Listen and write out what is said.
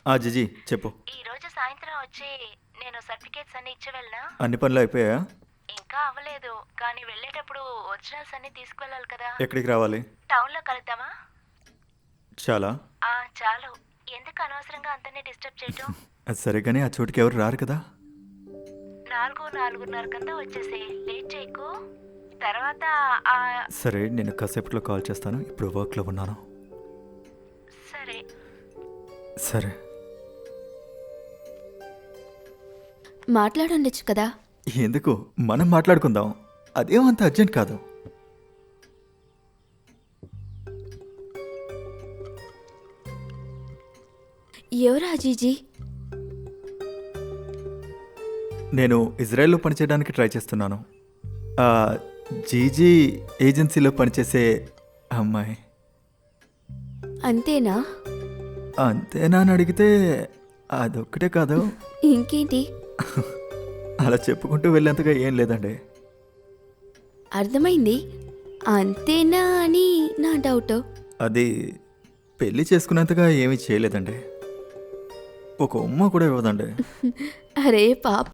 GG చెప్పు. ఈ రోజు సాయంత్రం వచ్చి నేను సర్టిఫికేట్స్ అన్ని ఇచ్చి వెళ్ళనా? అన్ని పనులు అయిపోయా? ఇంకా అవ్వలేదు, కానీ వెళ్ళేటప్పుడు ఒరిజినల్స్ అన్ని తీసుకువెళ్ళాలి కదా. ఎక్కడికి రావాలి? టౌన్లో కలుద్దామా? చాలా. చాలు. ఎందుకు అనవసరంగా అందరినీ డిస్టర్బ్ చేయటం? అది సరే కానీ ఆ చోటుకి ఎవరు రారు కదా. 4:30 కంతా వచ్చేసి లేట్ చేయకు. తర్వాత సరే, నేను కాసేపట్లో కాల్ చేస్తాను. ఇప్పుడు వర్క్లో ఉన్నాను. సరే. సరే. మాట్లాడుండొచ్చు కదా. ఎందుకు, మనం మాట్లాడుకుందాం. అదేమంత అర్జెంట్ కాదు. ఎవరా జీజీ? నేను ఇజ్రాయెల్లో పనిచేయడానికి ట్రై చేస్తున్నాను. జీజీ ఏజెన్సీలో పనిచేసే అమ్మాయి. అంతేనా? అంతేనా అని అడిగితే అదొక్కటే కాదు. ఇంకేంటి? అలా చెప్పుకుంటూ వెళ్ళేంతగా ఏం లేదండి. అర్థమైంది. అంతేనా అని నా డౌట్. అది పెళ్లి చేసుకునేంతగా ఏమీ చేయలేదండి. ఒక ఉమ్మ కూడా ఇవ్వదండి. అరే పాప.